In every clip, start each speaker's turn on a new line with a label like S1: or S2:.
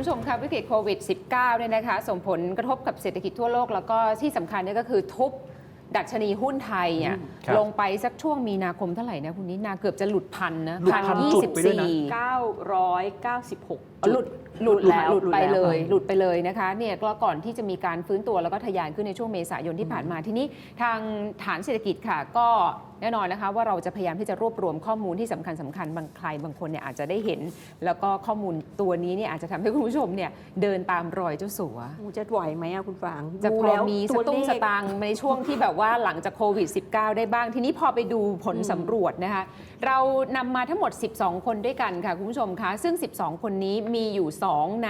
S1: ผู้ชมคะวิกฤตโควิด -19 เนี่ยนะคะส่งผลกระทบกับเศรษฐกิจทั่วโลกแล้วก็ที่สำคัญเนี่ยก็คือทุบดัชนีหุ้นไทยเนี่ยลงไปสักช่วงมีนาคมเท่าไหร่นะคุณนิดนาเกือบจะหลุดพันนะ
S2: 996
S1: หลุดไปเลยนะคะเนี่ยก็ก่อนที่จะมีการฟื้นตัวแล้วก็ทะยานขึ้นในช่วงเมษายนที่ผ่านมาทีนี้ทางฐานเศรษฐกิจค่ะก็แน่นอนนะคะว่าเราจะพยายามที่จะรวบรวมข้อมูลที่สำคัญบางใครบางคนเนี่ยอาจจะได้เห็นแล้วก็ข้อมูลตัวนี้เนี่ยอาจจะทำให้คุณผู้ชมเนี่ยเดินตามรอยเจ้าสัว
S2: จะไหวไหมคุณฟาง
S1: จะพอมีสตุ้งสตางค์ในช่วงที่แบบว่าหลังจากโควิด -19 ได้บ้างทีนี้พอไปดูผลสำรวจนะคะเรานำมาทั้งหมด12คนด้วยกันค่ะคุณผู้ชมคะซึ่ง12คนนี้มีอยู่2ใน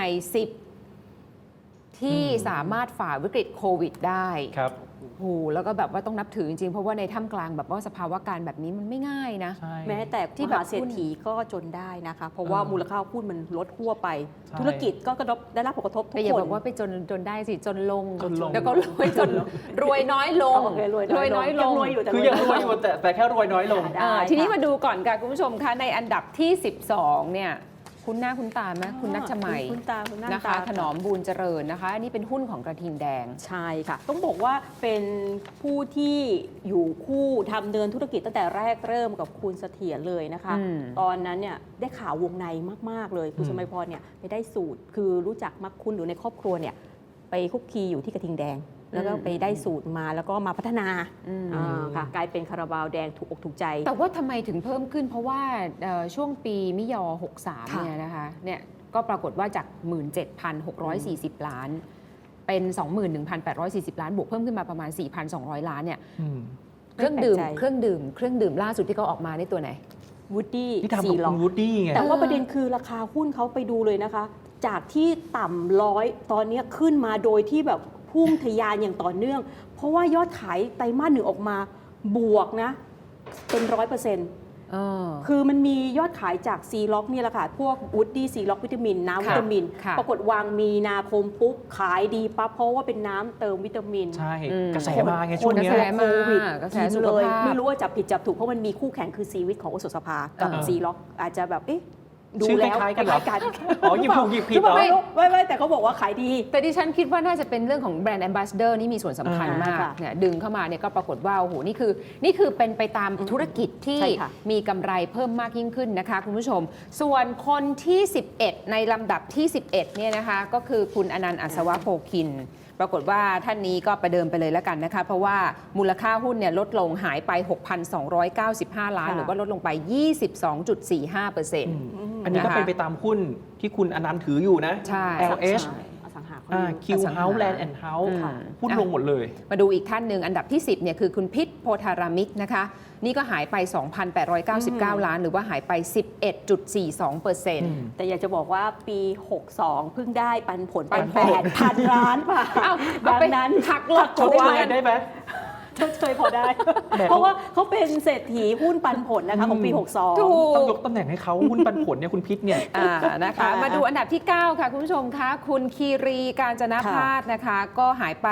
S1: 10ที่สามารถฝ่าวิกฤตโควิดได้
S3: ครับ
S1: โอ้แล้วก็แบบว่าต้องนับถือจริงๆเพราะว่าในท่ามกลางแบบว่าสภาวะการแบบนี้มันไม่ง่ายนะ
S2: แม้แต่ที่มหาเศรษฐีก็จนได้นะคะเพราะว่ามูลค่าหุ้นมันลดทั่วไปธุรกิจก็ได้รับผลกระทบทุกคน
S1: อย่าบอกว่าไปจนได้สิจนลงแล้วก็รวยน้อยลงรวยน้อยลง
S3: คือยังรวยอยู่แต่แค่รวยน้อยลง
S1: ทีนี้มาดูก่อนค่ะคุณผู้ชมคะในอันดับที่12เนี่ยคุณหน้าคุณตาไหมคุณนัชมัยนะคะถนอมบูญเจริญนะคะอันนี้เป็นหุ้นของกระทิงแดง
S2: ใช่ค่ะต้องบอกว่าเป็นผู้ที่อยู่คู่ทำเดินธุรกิจตั้งแต่แรกเริ่มกับคุณเสถียรเลยนะคะตอนนั้นเนี่ยได้ข่าววงในมากๆเลยคุณสมัยพรเนี่ยไปได้สูตรคือรู้จักมักคุณหรือในครอบครัวเนี่ยไปคุกคีอยู่ที่กระทิงแดงแล้วก็ไปได้สูตรมาแล้วก็มาพัฒนาค่ะกลายเป็นคาราบาวแดงถูกอกถูกใจ
S1: แต่ว่าทำไมถึงเพิ่มขึ้นเพราะว่าช่วงปีมิยอ63เนี่ยนะคะเนี่ยก็ปรากฏว่าจาก 17,640 ล้านเป็น 21,840 ล้านบวกเพิ่มขึ้นมาประมาณ 4,200 ล้านเนี่ยเครื่องดื่มล่าสุดที่เขาออกมาในตัวไหน
S2: วูดดี้
S3: 4ล็อกวูดดี้ไง
S2: แต่ว่าประเด็นคือราคาหุ้นเขาไปดูเลยนะคะจากที่ต่ำ100ตอนนี้ขึ้นมาโดยที่แบบพุ่งทะยานอย่างต่อเนื่องเพราะว่ายอดขายไตรมาส 1ออกมาบวกนะเป็น 100%คือมันมียอดขายจากซีล็อกนี่แหละค่ะพวกวูดดี้ซีล็อกวิตามินน้ำวิตามินปรากฏวางมีนาคมปุ๊บขายดีปั๊บเพราะว่าเป็นน้ำเติมวิตามิน
S3: ใช่กระแสมาไงช่วงนี้
S2: โควิดกินเลยไม่รู้ว่าจับผิดจับถูกเพราะมันมีคู่แข่งคือซีวิตของโอสถสภากับซีล็อกอาจจะแบบดูแล้ว
S3: คล้ายกันอ๋อหยิบถูกหยิบผิดเหรอ
S2: ไม่แต่เขาบอกว่าขายดี
S1: แต่ดิฉันคิดว่าน่าจะเป็นเรื่องของแบรนด์แอมบาสเดอร์นี่มีส่วนสำคัญมากเนี่ยดึงเข้ามาเนี่ยก็ปรากฏว่าโอ้โหนี่คือเป็นไปตามธุรกิจที่มีกำไรเพิ่มมากยิ่งขึ้นนะคะคุณผู้ชมส่วนคนที่11ในลำดับที่11เนี่ยนะคะก็คือคุณอนันต์อัศวะโพคินปรากฏว่าท่านนี้ก็ประเดิมไปเลยแล้วกันนะคะเพราะว่ามูลค่าหุ้นเนี่ยลดลงหายไป 6,295 ล้านหรือว่าลดลงไป 22.45%
S3: อันนี้ก็เป็นไปตามหุ้นที่คุณอนันต์ถืออยู่นะ LH Q House Land and House หุ้นลงหมดเลย
S1: มาดูอีกท่านหนึ่งอันดับที่10เนี่ยคือคุณพิษโพธารามิกนะคะนี่ก็หายไป 2,899 ล้านหรือว่าหายไป 11.42%
S2: แต่อยากจะบอกว่าปี 62 เพิ่งได้ปันผลไป 8,000 ล้านป่ะดังนั้น
S1: หักลบ
S3: เขาได้ไหม
S2: เคยพอได้ เพราะว่าเขาเป็นเศรษฐีหุ้นปันผลนะคะของปี 62
S3: ต้องยกตำแหน่งให้เขาหุ้นปันผลเนี่ยคุณพิษเนี่ย
S1: นะคะมาดูอันดับที่ 9 ค่ะคุณผู้ชมคะคุณคีรีการจนพาสนะคะก็หายไป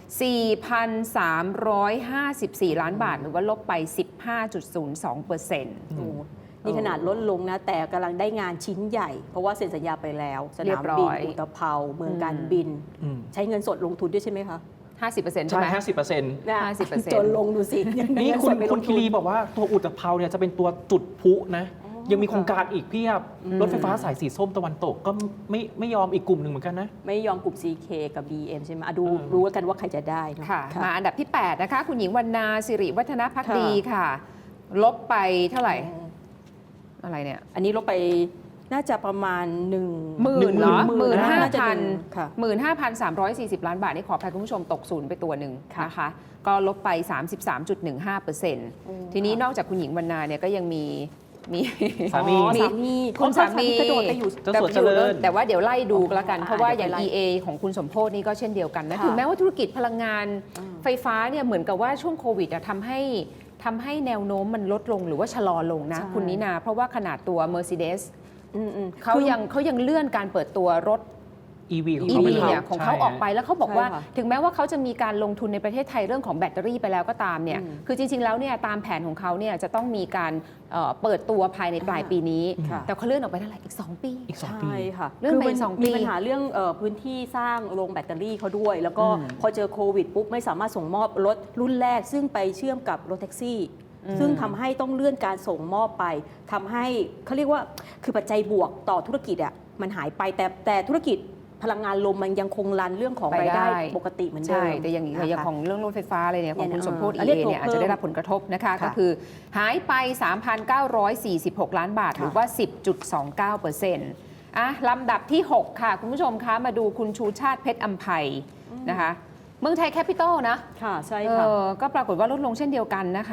S1: 4,354 ล้านบาทหรือว่าลบไป 15.02%
S2: นี่ขนาดลดลงนะแต่กำลังได้งานชิ้นใหญ่เพราะว่าเซ็นสัญญาไปแล้วสนามบินอุตภเปาเมืองการบินใช้เงินสดลงทุนด้วยใช่ไหมคะ
S1: 50%ใช่ไหม
S2: 50%จนลงดูสิ
S3: นี่คุณคีรีบอกว่าตัวอุตภเปาเนี่ยจะเป็นตัวจุดพลุนะยังมีโครงการอีกเพียบรถไฟฟ้าสายสีส้มตะวันตกก็ไม่ยอมอีกกลุ่มหนึ่งเหมือนกันนะ
S2: ไม่ยอมกลุ่ม CK กับ BM ใช่ไหมดูรู้กันว่าใครจะได้
S1: ค่ะมาอันดับที่8นะคะคุณหญิงวรรณาสิริวัฒนภักดีค่ะลบไปเท่าไหร่อะไรเนี่ย
S2: อันนี้ลบไปน่าจะประมาณ
S1: 10,000เหรอ15,340 ล้านบาทนี่ขออภัยคุณผู้ชมตกศูนย์ไปตัวหนึ่งนะคะก็ลบไป 33.15%ทีนี้นอกจากคุณหญิงวรรณาเนี่ยก็ยังมี
S3: สามี
S1: คุณสามี
S2: กระโดดไปอยู่
S3: เจ้าสัวเจริญ
S1: แต่ว่าเดี๋ยวไล่ดูกันละกันเพราะว่าอย่าง EA ของคุณสมโพธินี่ก็เช่นเดียวกันนะถึงแม้ว่าธุรกิจพลังงานไฟฟ้าเนี่ยเหมือนกับว่าช่วงโควิดทำให้แนวโน้มมันลดลงหรือว่าชะลอลงนะคุณนินาเพราะว่าขนาดตัว Mercedes เขายังเลื่อนการเปิดตัวรถ
S3: EV ของ
S1: EV
S3: เขาไป
S1: เนี่ยของเขาออกไปแล้วเขาบอกว่า
S2: ใช่ค่ะ
S1: ถึงแม้ว่าเขาจะมีการลงทุนในประเทศไทยเรื่องของแบตเตอรี่ไปแล้วก็ตามเนี่ย
S2: อืม
S1: คือจริง ๆ แล้วเนี่ยตามแผนของเขาเนี่ยจะต้องมีการเปิดตัวภายในปลายปีนี้
S2: ค่ะ
S1: แต่เขาเลื่อนออกไปเท่าไหร่อีก 2 ปี
S3: อีก 2 ปี
S2: ใช่ค่ะ
S1: เรื่องไป
S2: คืมัน
S1: สองปี
S2: มีปัญหาเรื่องพื้นที่สร้างโรงแบตเตอรี่เขาด้วย แล้วก็
S1: อืม
S2: พอเจอโควิดปุ๊บไม่สามารถส่งมอบรถรุ่นแรก ซึ่งไปเชื่อมกับรถแท็กซี่ ซึ่งทำให้ต้องเลื่อนการส่งมอบไปทำให้เขาเรียกว่าคือปัจจัยบวกต่อธุรกิจอ่ะมันหายไปแต่ธุรกิจพลังงานลมมันยังคงรันเรื่องของรายได้ปกติเหมือนเดิม
S1: ใช่แต่อย่าง
S2: นะคะ
S1: ของเรื่องรถไฟฟ้าอะไรเนี่ยของคุณสมโพธิ
S2: อัน
S1: เอ
S2: นี้ตัว
S1: เนี่ยอาจจะได้รับผลกระทบนะคะ
S2: ค่ะ
S1: ก็คือหายไป 3,946 ล้านบาท หรือว่า 10.29%ลำดับที่ 6 ค่ะ คุณผู้ชมคะมาดูคุณชูชาติเพชรอัมไพนะคะเมืองไทยแคปิตอลนะ
S2: ค่ะใช่ค่ะ
S1: ก็ปรากฏว่าลดลงเช่นเดียวกันนะคะ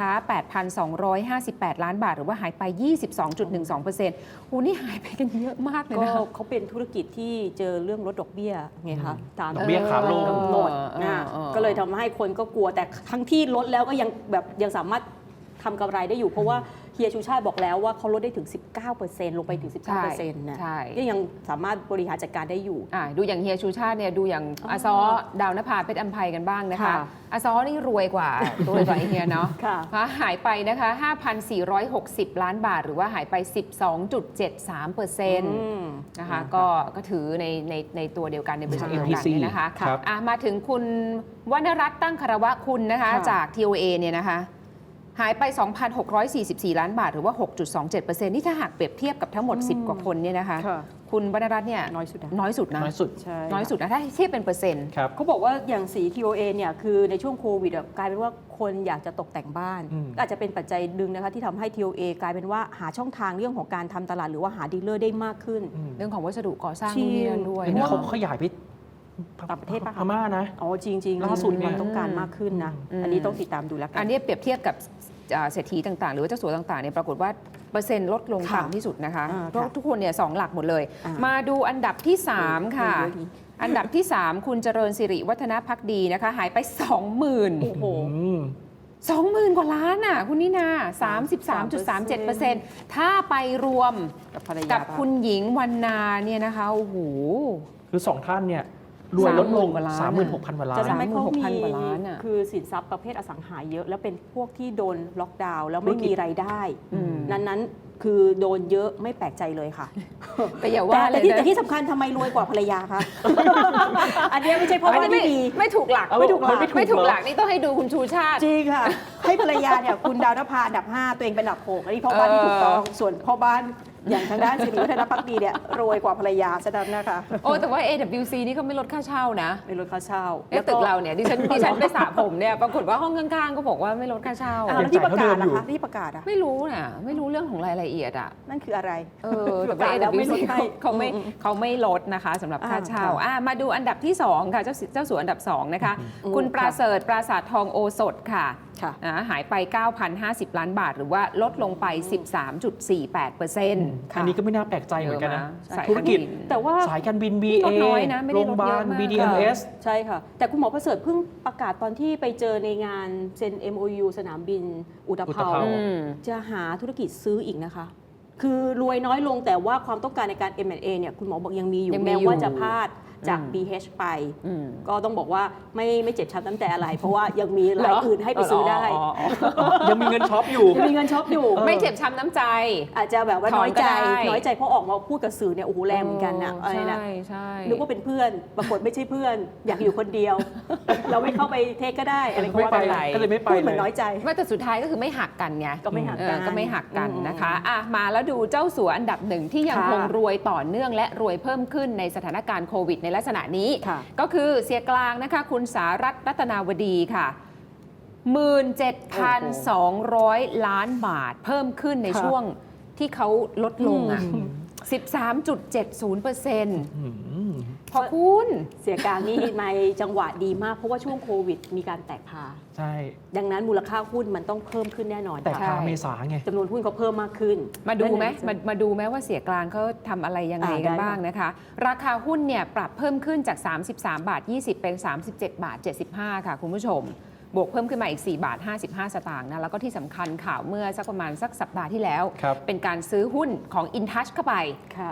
S1: 8,258 ล้านบาท หรือว่าหายไป 22.12%โอ้นี่หายไปกันเยอะมากเลย
S2: ก็
S1: นะ
S2: เขาเป็นธุรกิจที่เจอเรื่องลดดอกเบี้ยไงคะตาม
S3: ดอกเบี้ยขาลง
S2: กำหนดนะก็เลยทำให้คนก็กลัวแต่ทั้งที่ลดแล้วก็ยังสามารถทำกำไรได้อยู่ เพราะว่าเฮียชูชาติบอกแล้วว่าเขาลดได้ถึง 19%ลงไปถึง 19%นะ
S1: ใช่
S2: ก็ยังสามารถบริหารจัดการได้อยู่
S1: ดูอย่างเฮียชูชาติเนี่ยดูอย่างอาซอดาวนภาเพชรอัมไพกันบ้างนะคะ
S2: ค่ะ
S1: อาซอนี่รวยกว่า ไอ้เฮียเนาะ
S2: ค่ะ
S1: หายไปนะคะ 5,460 ล้านบาท หรือว่าหายไป 12.73%นะคะก็ถือในตัวเดียวกันในบริษัทเดียวกันเนี่ยนะคะ
S3: ครับ
S1: มาถึงคุณวรรณรัตน์ตั้งคารวะคุณนะคะ
S2: ค่ะ
S1: จาก TOA เนี่ยนะคะหายไป 2,644 ล้านบาทหรือว่า 6.27%นี่ถ้าหากเปรียบเทียบกับทั้งหมด 10 กว่าคนเนี่ยนะคะ
S2: ค่ะ
S1: คุณวรรณรัตน์เนี่ย
S2: น้อยสุดนะ
S1: น้อยสุดนะ
S3: น้อยสุด
S2: ใช่
S1: น้อยสุดนะถ้าเทียบเป็นเปอร์เซ็นต์
S3: ครับ
S2: เขาบอกว่าอย่างสี TOA เนี่ยคือในช่วงโควิดกลายเป็นว่าคนอยากจะตกแต่งบ้าน
S3: อืม
S2: ก็อาจจะเป็นปัจจัยดึงนะคะที่ทำให้ TOA กลายเป็นว่าหาช่องทางเรื่องของการทำตลาดหรือว่าหาดีลเลอร์ได้มากขึ้น
S1: เรื่องของวัสดุก่อสร้าง
S2: จริง
S1: นู่นนี่นั่นด้วย
S3: อันนี้
S1: นะ
S3: เขาขยายไป
S2: ต่างประเทศปะคะ
S3: พม่านะ
S2: อ๋อจริงๆ
S3: ล่าสุด
S2: มี
S3: เนี่
S2: ควาย มต้องการมากขึ้นนะ อันนี้ต้องติดตามดูแล้วกั
S1: อันนี้เปรียบเทียบกับเศรษฐีต่างๆ หรือว่าเจ้าสัวต่างๆเนี่ยปรากฏว่าเปอร์เซ็นต์ลดลง
S2: ค่ะ
S1: ต่ำที่สุดนะคะ
S2: ค่ะ
S1: เพราะทุกคนเนี่ย2 หลักหมดเลย
S2: อ่าม
S1: มาดูอันดับที่ 3 ค่ะ
S2: เยอะดี
S1: อันดับที่ 3 คุณเจริญสิริวัฒนพักดีนะคะ หายไป 20,000
S2: โอ้โห
S1: 20,000 กว่าล้านอ่ะคุณนินา 33.37%ถ้าไปรวม
S2: กับภรรยา
S1: กับคุณหญิงวรรณาเนี่ยนะคะโอ้โห
S3: คือ 2 ท่านเนี่ยรวยลดลง
S1: 30,000 กว่าล้าน
S3: 36,000 กว่าล้า
S2: จะ
S3: น
S2: ทำให้เขามี
S1: 36,000 กว่าล้านอะ
S2: คือสินทรัพย์ประเภทอสังหาเยอะ แล้วเป็นพวกที่โดนล็อกดาวน์แล้วไม่มีรายได้ นั้นคือโดนเยอะไม่แปลกใจเลยค่ะ
S1: แต่อย่าว่าเลย
S2: แต่
S1: นะ
S2: ที่สำคัญทำไมรวยกว่าภรรยาคะ อันเนี้ยไม่ใช่เพราะว่าไม่ดี
S1: ไม่ถูกหลัก
S3: ไม่ถูกหลัก
S1: ไม่ถูกหลักนี่ต้องให้ดูคุณชูชาติ
S2: จริงค่ะ ให้ภรรยาเนี่ยคุณดาวนภาอันดับ 5 ตัวเองเป็นอันดับ 6 อันนี้พ่อบ้านที่ถูกต้อง ส่วนพ่อบ้านอย่างทางด้านสิริวัฒนภักดีเนี่ยรวยกว่าภรรยาซะนั้นนะคะ
S1: โอ้แต่ว่า AWC นี่เขาไม่ลดค่าเช่านะ
S2: ไม่ลดค่าเช่า
S1: ตึกเราเนี่ยดิฉันไปสระผมเนี่ยปรากฏว่าห้องข้างๆก็บอกว่าไม่ลดค่าเช่า
S2: แล้วที่ประกาศ
S3: ยังจ่ายเท่าเดิมอยู่
S2: นะคะที่ประกาศอะ
S1: ไม่รู้น่ะไม่รู้เรื่องของรายละเอียดอ่ะ
S2: นั่นคืออะไร
S1: แต่
S2: ประกาศแล้วไม่ลด
S1: AWC
S2: ให้
S1: เขาไม่ลดนะคะสำหรับค่าเช่า
S2: ค่ะ
S1: มาดูอันดับที่ 2 ค่ะ เจ้าสัวอันดับ 2 นะคะ คุณปราเสริฐปราสาททองโอสถค่ะ
S2: ค่ะ
S1: หายไป 9,050 ล้านบาท หรือว่าลดลงไป 13.48%
S3: อันนี้ก็ไม่น่าแปลกใจเหมือนกันนะ
S1: สาย
S3: ธุรกิจ
S1: การบิน
S2: แต่ว่า
S3: สายการบิน
S1: ล
S3: BA
S1: ดน้อยนะไม่ได้
S3: โรงพ
S1: ลด
S3: ยา
S1: เย
S3: บา
S1: อะ
S3: ล
S1: มาก
S3: BDMS
S2: ใช่ค่ะ แต่คุณหมอประเสริฐเพิ่งประกาศตอนที่ไปเจอในงานเซ็น MOU สนามบินอุตภ
S3: อุต
S2: เปา
S3: ภเปา
S2: จะหาธุรกิจซื้ออีกนะคะ คือรวยน้อยลงแต่ว่าความต้องการในการ M&A เนี่ยคุณหมอบอกยังมีอยู่
S1: ยังมี
S2: แม้
S1: อยู่
S2: ว่าจะพลาดจาก
S1: อืม
S2: BH ไป
S1: อืม
S2: ก็ต้องบอกว่าไม่เจ็บช้ำน้ำแต่อะไร เพราะว่ายังมีรายอื่นให้ไปซื้อได้
S3: ยังมีเงินช็อปอยู่
S2: ยังมีเงินช็อปอยู่
S1: ไม่เจ็บช้ำน้ำใจ
S2: อาจจะแบบว่า
S1: ถ
S2: น้
S1: อ
S2: อน ย
S1: ก็
S2: ใจ
S1: ได้
S2: น้อยใจเพราะออกมาพูดกับสื่อเนี่ยโอ้โหแรงเหมือนกันนะอะไรนะ
S1: ใช่
S2: นึกว่าเป็นเพื่อนปรากฏไม่ใช่เพื่อน อยากอยู่คนเดียว เราไม่เข้าไปเทคก็ได้อะไรก็
S3: ไม่
S2: ว่า
S3: ไป
S2: กันไป
S3: ก็เลยไม่ไป
S2: พูดเหมื
S3: เล
S2: อน
S3: ย
S2: น้อยใจ
S1: ไม่แต่สุดท้ายก็คือไม่หักกันไง
S2: ก็ไม่หักกัน
S1: ก็ไม่หักกัน
S2: อืม
S1: นะคะมาแล้วดูเจ้าสัวอันดับ 1 ที่ยัง
S2: ค่ะ
S1: คงรวยต่อเนื่องและรวยเพิ่มขึ้นในสถานการณ์โควิดในลักษณะนี้
S2: ค่ะ
S1: ก็คือเสียกลางนะคะคุณสารัตน์รัตนาวดีค่ะ 17,200 ล้านบาทเพิ่มขึ้นใน
S2: ค่ะ
S1: ช่วงที่เขาลดลงอ่ะ
S3: อืม
S1: 13.70%
S3: อืม
S1: พอคุณ
S2: เสียกลางนี่ในจังหวะดีมาก เพราะว่าช่วงโควิดมีการแตกพา
S3: ใช่
S2: ดังนั้นมูลค่าหุ้นมันต้องเพิ่มขึ้นแน่นอน
S3: แต่
S1: ใช่
S3: พาเมษาไง
S2: จำนวนหุ้นเขาเพิ่มมากขึ้น
S1: มาดูไหม
S2: นั่น
S1: มาดูไหมว่าเสียกลางเขาทำอะไรยังไงกัน
S2: ได้
S1: บ้างนะคะ ราคาหุ้นเนี่ยปรับเพิ่มขึ้นจาก 33 บาท 20 เป็น 37 บาท 75 ค่ะคุณผู้ชมบวกเพิ่มขึ้นมาอีก4บาท55 สตางค์นะแล้วก็ที่สำคัญข่าวเมื่อสักประมาณสักสัปดาห์ที่แล้ว
S3: ครับ
S1: เป็นการซื้อหุ้นของ InTouch เข้าไป
S2: ค่ะ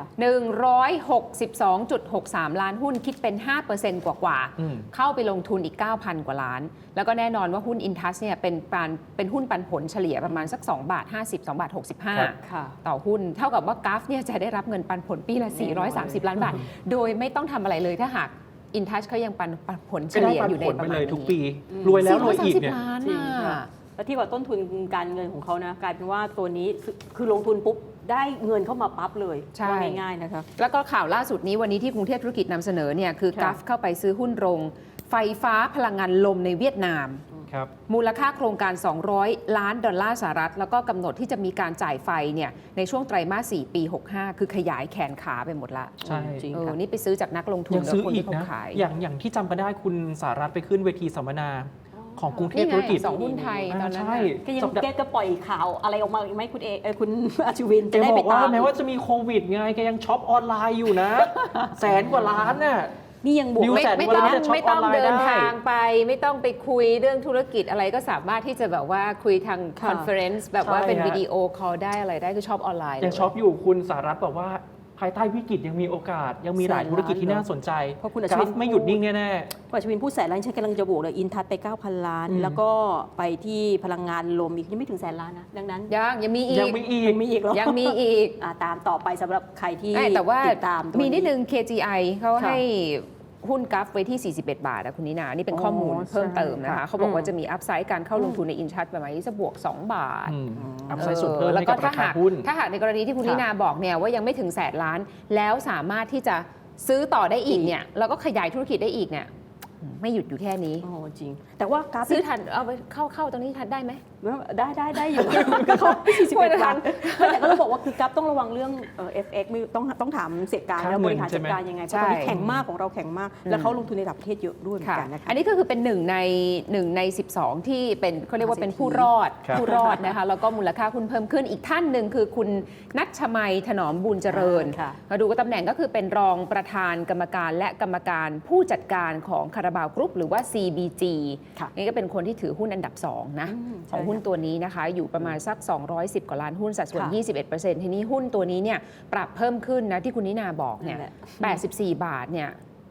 S1: 162.63 ล้านหุ้นคิดเป็น 5% กว่า
S3: อืม
S1: ๆเข้าไปลงทุนอีก 9,000 กว่าล้าน แล้วก็แน่นอนว่าหุ้น InTouch เนี่ยเป็นหุ้นปันผลเฉลี่ยประมาณสัก2บาท50 2บาท
S3: ครับ
S1: 65
S2: ค่ะ
S1: ต่อหุ้นเท่ากับว่ากราฟเนี่ยจะได้รับเงินปันผลปีละ 430 ล้านบาท โดยไม่ต้องทำอะไรเลยถ้าหาก InTouch เขายังปันผลเฉ
S3: ก็ได้
S1: ลี่ย
S3: ปัน
S1: อยู่ใน
S3: ผล
S1: ป
S3: ไประ
S1: มา
S3: เล
S1: ณ
S3: ยทุก
S1: นี้
S3: ปี รวยแล้วรวยอีก
S1: 430
S3: เนี่ย
S1: ล้าน
S2: จริง
S1: น่ะ
S2: ค่ะแล้วที่ว่าต้นทุนการเงินของเขานะกลายเป็นว่าตัวนี้คือลงทุนปุ๊บได้เงินเข้ามาปั๊บเลย
S1: ใช่
S2: ว่าง่ายๆนะคะ
S1: แล้วก็ข่าวล่าสุดนี้วันนี้ที่กรุงเทพธุรกิจนำเสนอเนี่ยคือ
S2: ค่ะ
S1: กัฟเข้าไปซื้อหุ้นโรงไฟฟ้าพลังงานลมในเวียดนาม
S3: ครับ
S1: มูลค่าโครงการ$200 ล้านสหรัฐแล้วก็กำหนดที่จะมีการจ่ายไฟเนี่ยในช่วงไตรมาส 4 ปี 65 คือขยายแขนขาไปหมดละ
S3: ใช่
S2: จริง
S1: เออ
S2: ค่ะ
S1: นี่ไปซื้อจากนักลงทุน
S3: ยังซื้อ
S1: และคน
S3: อีก
S1: ที่เขา
S3: นะ
S1: ขาย
S3: อย่างที่จำกันได้คุณสารัฐไปขึ้นเวทีสัมมนาของกรุงเทพ
S1: นี่ไง
S3: ธุรกิจ
S1: สองหุ้นไทยตอนนั้น
S3: ใช่
S1: น่ะ
S2: ก็ยัง
S3: สัปดาห์
S2: แกก็ปล่อยข่าวอะไรออกมาอีกไหมคุณคุณอาชวิน
S3: แก
S2: จะได้
S3: บ
S2: ไป
S3: อกว่า
S2: ตาม
S3: แม้ว่าจะมีโควิดไงแกยังช็อปออนไลน์อยู่นะ 100,000 กว่าล้านน่ะ
S2: นี่ยังบวก
S3: ดิว
S1: ไม่
S3: แสน
S1: ไม่
S3: กว่า
S1: ต้อง
S3: ล้านจะช็อป
S1: ไม่ต้อง
S3: ออนไลน์
S1: เดิน
S3: ได้
S1: ทางไป ไม่ต้องไปคุยเรื่องธุรกิจอะไรก็สามารถที่จะแบบว่าคุยทาง
S2: ค่ะ
S1: คอนเฟอเรนซ์แบบว่าเป็น
S3: ใช่ฮะ
S1: วิดีโอคอลได้อะไรได้คือช็อปออนไลน์
S3: ยัง
S1: เลย
S3: ช็อปอยู่คุณสารัฐบอกว่าภายใต้วิกฤตยังมีโอกาส ยังมีหลายธุรกิจที่น่าสนใจ
S2: เพราะคุณอั
S3: ก
S2: ช
S3: รา
S2: วิ
S3: ฟ
S2: น
S3: ไม่หยุดนิ่งแน่
S2: คุณอาชวินพูดแสนล้านฉันกำลังจะบวกเลยอินทัศไป 9,000 ล้าน
S3: อืม
S2: แล้วก็ไปที่พลังงานลมอีกยังไม่ถึงแสนล้านนะดังนั้น
S1: ยังมีอีก
S3: ยังมีอีก
S2: ยังมีอีกเหรอ
S1: ยังมีอีก
S2: ตามต่อไปสำหรับใครที่
S1: แต่ว่า
S2: ติดตามตัว
S1: มีนิดนึง KGI เขา
S2: ค่ะ
S1: ให้หุ้นกัฟไว้ที่ 41 บาทนะคุณนินานี่เป็นข้อมูล
S2: อ๋อ
S1: เพิ่มเติมนะ
S2: ใช่
S1: คะ
S2: ค่ะ
S1: เขาบอกว่าจะมีอัพไซด์การเข้าลงทุนในอินชัดประมาณนี้จะบวก 2 บาท
S3: อัพไซด์สุดเพิ่ม
S1: แล้ว
S3: ให้
S1: ก็
S3: กับราคาหุ้น
S1: ถ้าหากในกรณีที่คุณ
S2: ค่ะ
S1: นินาบอกเนี่ยว่ายังไม่ถึงแสนล้าน แล้วสามารถที่จะซื้อต่อได้อีกเนี่ยแล้วก็ขยายธุรกิจได้อีกเนี่ยไม่หยุดอยู่แค่นี้
S2: โอ้จริง แต่ว่ากราฟ
S1: ซื้อทันเอาไปเข้าตรงนี้ทันได้ไหม
S2: ได้อยู่ ก็เขา41 บาทแต่ก็ต้องบอกว่าคือกราฟต้องระวังเรื่องFX ไม่ต้องถามเศรษฐการ
S3: ค่า
S2: แล้ว
S3: เงิน
S2: บริหารจัดการยังไงเพราะตอนนี้
S1: ใช่
S2: แข็งมากของเราแข็งมาก แล้วเขาลงทุนในต่างประเทศเยอะด้วยเหมือน
S1: ค่ะ
S2: กันนะคะ
S1: อันนี้ก็คือเป็น1 ใน 12 ที่เป็นเขาเรียกว่าเป็นผู้รอด
S3: ครับ
S1: ผู้รอดนะคะแล้วก็มูลค่าหุ้นเพิ่มขึ้นอีกท่านหนึ่งคือคุณนัชชมัยถนอมบุญเจริญ
S2: ค่ะ
S1: มาดูก็ตำแหน่งก็คือเป็นรองประธานกรรมการและกรรมการผู้จัดการของคาราบาวกรุ๊ปหรือว่า CBG
S2: ค่ะ
S1: นี่ก็เป็นคนที่ถือหุ้นอันดับ 2 นะ
S2: ใช่
S1: ของหุ้น
S2: ค่ะ
S1: ตัวนี้นะคะ อยู่ประมาณสัก 210 กว่าล้านหุ้นสัดส่วน
S2: ค่ะ
S1: 21%ทีนี้หุ้นตัวนี้เนี่ยปรับเพิ่มขึ้นนะที่คุณนินาบอกเนี่ย
S2: นั่นแหละ
S1: 84 บาทเนี่ย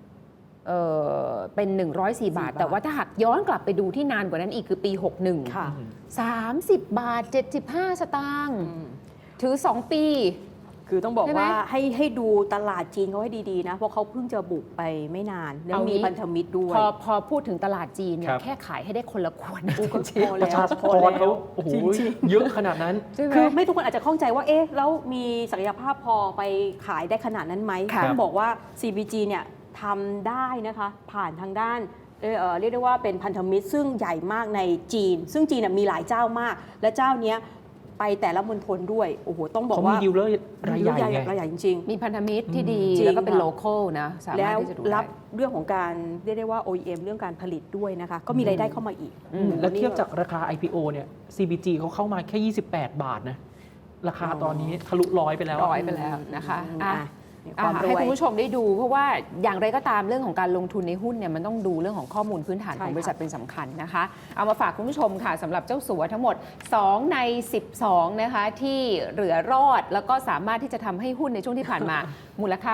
S1: เป็น 104 บาท
S2: 4
S1: แต่ว่าถ้าหากย้อนกลับไปดูที่นานกว่านั้นอีกคือปี 61
S2: ค่ะ
S1: 30 บาท 75 สตางค์ถือ 2 ปี
S2: คือต้องบอก
S1: ใช่ไหม
S2: ว่าให้ดูตลาดจีนเขาให้ดีๆนะ เพราะเขาเพิ่งจะบุกไปไม่นาน แล้ว
S1: เอางี้
S2: มีพันธมิตรด้วย
S1: พอพูดถึงตลาดจีนเนี่
S3: ครั
S1: ย
S3: บ
S1: แค่ขายให้ได้คนละขวดนะ
S2: ก็พอ
S3: ป
S2: แล้
S3: ระ
S2: ว
S3: ชาก
S2: พอ
S3: ร
S2: แล้
S3: เขา
S2: ว
S3: โอ้โห
S2: จริง
S3: เยอะขนาดนั้น
S1: ใช่ไหม
S2: คือไม่ทุกคนอาจจะข้องใจว่าแล้วมีศักยภาพพอไปขายได้ขนาดนั้นไหม
S1: ครับ
S2: ต้องบอกว่า CBG เนี่ยทำได้นะคะ ผ่านทางด้านเรียกได้ว่าเป็นพันธมิตรซึ่งใหญ่มากในจีน ซึ่งจีนมีหลายเจ้ามาก และเจ้าเนี้ยไปแต่ละมณฑลด้วยโอ้โหต้องบอก
S3: เขามี
S2: ว่า
S3: ดีลเลอร์รายใหญ่ไง
S2: รายใหญ่จริง
S1: มีพันธมิตรที่ดี
S2: จริง
S1: แล้วก็เป็น
S2: ค่ะ
S1: โลคอลนะสา
S2: ๆ แล้
S1: มารถ
S2: ว
S1: ที่จะดู
S2: รั
S1: ได้
S2: บเรื่องของการเรียกได้ว่า OEM เรื่องการผลิตด้วยนะคะ ก็มีรายได้เข้ามาอีก
S3: แล้วเทียบจากราคา IPO เนี่ย CBG เขาเข้ามาแค่ 28 บาทนะ ราคาตอนนี้ทะลุ100ไปแล้ว
S1: ร้อยไปแล้วนะคะ
S2: ความร
S1: ให้
S2: วย
S1: คุณผู้ชมได้ดูเพราะว่าอย่างไรก็ตามเรื่องของการลงทุนในหุ้นเนี่ยมันต้องดูเรื่องของข้อมูลพื้นฐาน
S2: ใช่
S1: ของ
S2: ค่ะ
S1: บริษัทเป็นสำคัญนะคะ เอามาฝากคุณผู้ชมค่ะสำหรับเจ้าสัวทั้งหมด 2 ใน 12 นะคะที่เหลือรอดแล้วก็สามารถที่จะทำให้หุ้นในช่วงที่ผ่านมา มูลค่า